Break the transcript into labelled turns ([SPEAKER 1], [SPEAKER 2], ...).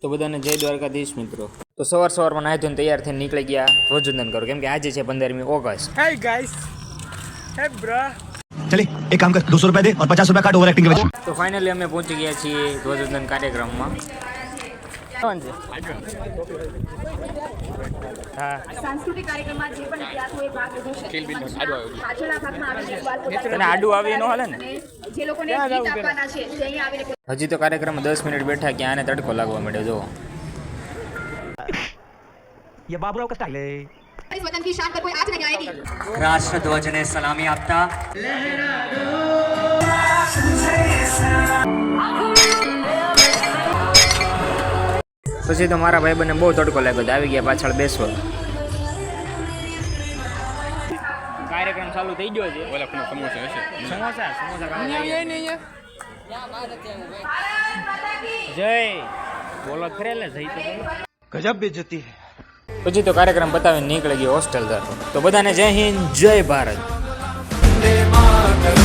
[SPEAKER 1] તો બધાને જય દ્વારકાધીશ મિત્રો. તો સવારમાં નાહી ધોઈને તૈયાર થઈને નીકળી ગયા ધ્વજવંદન કરો, કેમ કે આજે છે 15મી August.
[SPEAKER 2] Hey guys, hey bro.
[SPEAKER 3] चले एक काम कर 200 रुपए दे और 50 रुपए काट ओवर एक्टिंग के वजह।
[SPEAKER 1] તો ફાઇનલી અમે પહોંચી ગયા છીએ ધ્વજવંદન કાર્યક્રમમાં.
[SPEAKER 4] સાંસ્કૃતિક કાર્યક્રમમાં જે પણ વિદ્યાર્થીઓએ ભાગ લીધો છે પાછળના ભાગમાં આવીને સવાલ
[SPEAKER 1] તને આડું આવી ન હાલે ને?
[SPEAKER 4] જે લોકોને ગીત આપવાના છે તે અહીં આવીને
[SPEAKER 1] હજી તો કાર્યક્રમમાં 10 મિનિટ બેઠા કે આને તડકો લાગવા માંડ્યો. જો
[SPEAKER 3] ये बाबूराव का स्टाइल है।
[SPEAKER 4] इस वतन की शान पर कोई आँच नहीं आएगी.
[SPEAKER 5] રાષ્ટ્રધ્વજને સલામી આપતા
[SPEAKER 1] પછી તો મારા ભાઈબંધને બહુ તડકો લાગ્યો, આવી ગયા પાછળ બેસવા. કાર્યક્રમ ચાલુ થઈ ગયો છે. સમોસા જય બોલો ખરેલે જઈ તો
[SPEAKER 3] गजब बेइज्जती है।
[SPEAKER 1] પછી તો કાર્યક્રમ પતાવીને નીકળી ગયો હોસ્ટેલ તરફ. તો બધાને જય હિન્દ જય ભારત.